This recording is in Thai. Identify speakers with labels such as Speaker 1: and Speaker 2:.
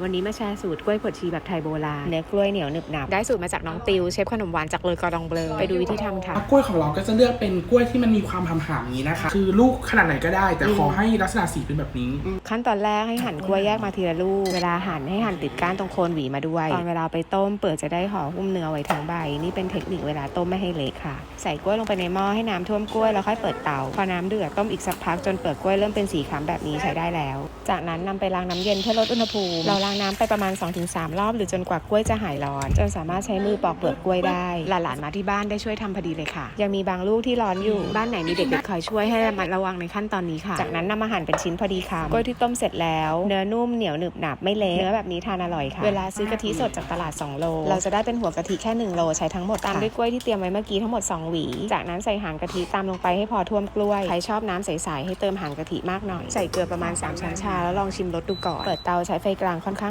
Speaker 1: วันนี้มาแชร์สูตรกล้วยบดชีแบบไทยโบราณเนื้อกล้วยเหนียวหนึบหนับได้สูตรมาจากน้องติวเชฟขนมหวานจากเลยกอดองเบลอไปดูวิธีทำค่ะ
Speaker 2: กล้วยของเราก็จะเลือกเป็นกล้วยที่มันมีความหำๆนี้นะคะคือลูกขนาดไหนก็ได้แต่ขอให้ลักษณะสีเป็นแบบนี้
Speaker 1: ขั้นตอนแรกให้หั่นกล้วยแยกมาทีละลูกเวลาหั่นให้หั่นติดก้านตรงโคนหวีมาด้วยตอนเวลาไปต้มเปลือกจะได้ห่อหุ้มเนื้อไว้ทั้งใบนี่เป็นเทคนิคเวลาต้มไม่ให้เละค่ะใส่กล้วยลงไปในหม้อให้น้ำท่วมกล้วยแล้วค่อยเปิดเตาพอน้ำเดือดต้มอีกสักพักจนเปลือกกล้วยเริ่มเป็นสีคล้ำแบบนี้ใช้ได้แล้วจากนั้นนำไปล้างน้ำเย็นเพื่อลดอุณหภูมิเราล้างน้ำไปประมาณ 2-3 รอบหรือจนกว่ากล้วยจะหายร้อนจนสามารถใช้มือปอกเปลือกกล้วยได้หลานๆมาที่บ้านได้ช่วยทำพอดีเลยค่ะยังมีบางลูกที่ร้อนอยู่บ้านไหนมีเด็กๆคอยช่วยให้ระมัดระวังในขั้นตอนนี้ค่ะจากนั้นนำมาหั่นเป็นชิ้นพอดีคำกล้วยที่ต้มเสร็จแล้วเนื้อนุ่มเหนียวหนึบหนับไม่เละเนื้อแบบนี้ทานอร่อยค่ะเวลาซื้อกะทิสดจากตลาด2โลเราจะได้เป็นหัวกะทิแค่1โลใช้ทั้งหมดตามด้วยกล้วยที่เตรียมไว้เมื่อกี้ทั้งหมด2หวีจากนั้นใส่หางกะทิตามลงไปให้พอท่วมกล้วยใครชอบน้ำใสๆให้เติมหางกะทิมากหน่อยใส่เกลือประมาณ3ช้อนชาแล้วลองชิมรสดูก่อนเปิดเตาใช้ไฟกลางค่อน